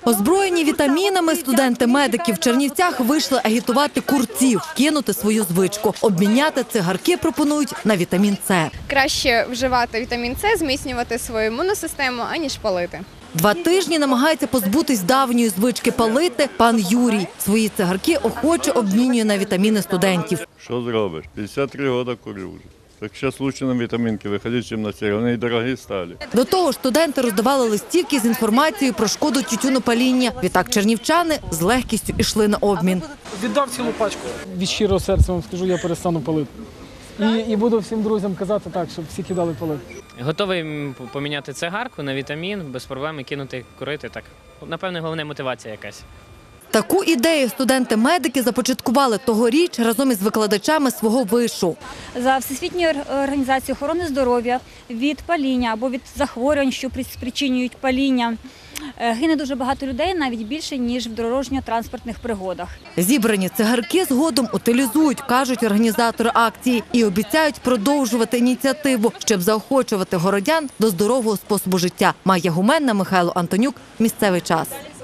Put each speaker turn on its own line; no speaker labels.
Озброєні вітамінами студенти-медики в Чернівцях вийшли агітувати курців кинути свою звичку. Обміняти цигарки пропонують на вітамін С.
Краще вживати вітамін С, зміцнювати свою імунну систему, аніж палити.
2 тижні намагається позбутись давньої звички палити пан Юрій. Свої цигарки охоче обмінює на вітаміни студентів.
Що зробиш? 53 роки курю вже. Так зараз краще на вітамінки виходити, ніж на ці. Вони і дорогі стали.
До того ж, студенти роздавали листівки з інформацією про шкоду тютюнопаління. Відтак чернівчани з легкістю йшли на обмін.
Віддав цілу пачку. Від щирого серця вам скажу, я перестану палити. І буду всім друзям казати так, щоб всі кидали палити.
Готовий поміняти цигарку на вітамін, без проблем і кинути курити. Так, напевне, головне мотивація якась.
Таку ідею студенти-медики започаткували тогоріч разом із викладачами свого вишу.
За Всесвітньою організацією охорони здоров'я від паління або від захворювань, що спричинюють паління, гине дуже багато людей, навіть більше, ніж в дорожньо-транспортних пригодах.
Зібрані цигарки згодом утилізують, кажуть організатори акції, і обіцяють продовжувати ініціативу, щоб заохочувати городян до здорового способу життя. Майя Гуменна, Михайло Антонюк. Місцевий час.